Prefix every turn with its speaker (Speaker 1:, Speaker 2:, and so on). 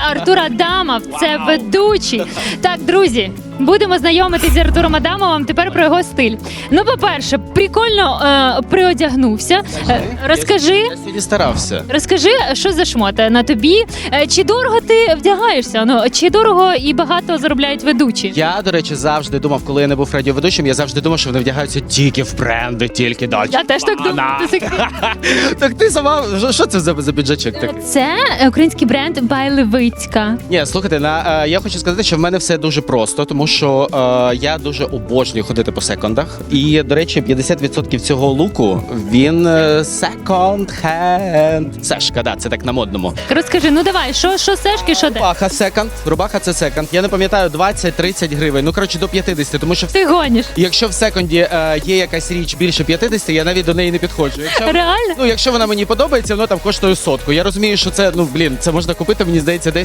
Speaker 1: Артур Адамов, це ведучий. Так, друзі, будемо знайомитись з Артуром Адамовим тепер про його стиль. Ну, по-перше, прикольно приодягнувся. Розкажи.
Speaker 2: Я сьогодні старався.
Speaker 1: Розкажи, що за шмота на тобі? Чи дорого ти вдягаєшся? Ну, чи дорого і багато заробляють ведучі?
Speaker 2: Я, до речі, завжди думав, коли я не був радіоведучим, я завжди думав, що вони вдягаються тільки в бренди, тільки далі.
Speaker 1: Я теж так думаю.
Speaker 2: Так ти сама, що це за піджачок такий?
Speaker 1: Це український бренд Байлевицька.
Speaker 2: Ні, слухайте, я хочу сказати, що в мене все дуже просто, тому що я дуже обожнюю ходити по секондах. І, до речі, 50% цього луку, він секонд-хенд. Сешка, да, це так на модному.
Speaker 1: Розкажи, ну давай, що сешки, що де?
Speaker 2: Рубаха секонд, рубаха це секонд. Я не пам'ятаю, 20-30 гривень, ну, коротше, до 50, тому що
Speaker 1: Ти гониш.
Speaker 2: якщо в секонді є якась річ більше 50, я навіть до неї не підходжу.
Speaker 1: Реально?
Speaker 2: Якщо вона мені подобається, воно там коштує 100. Я розумію, що це, це можна купити, мені здається, десь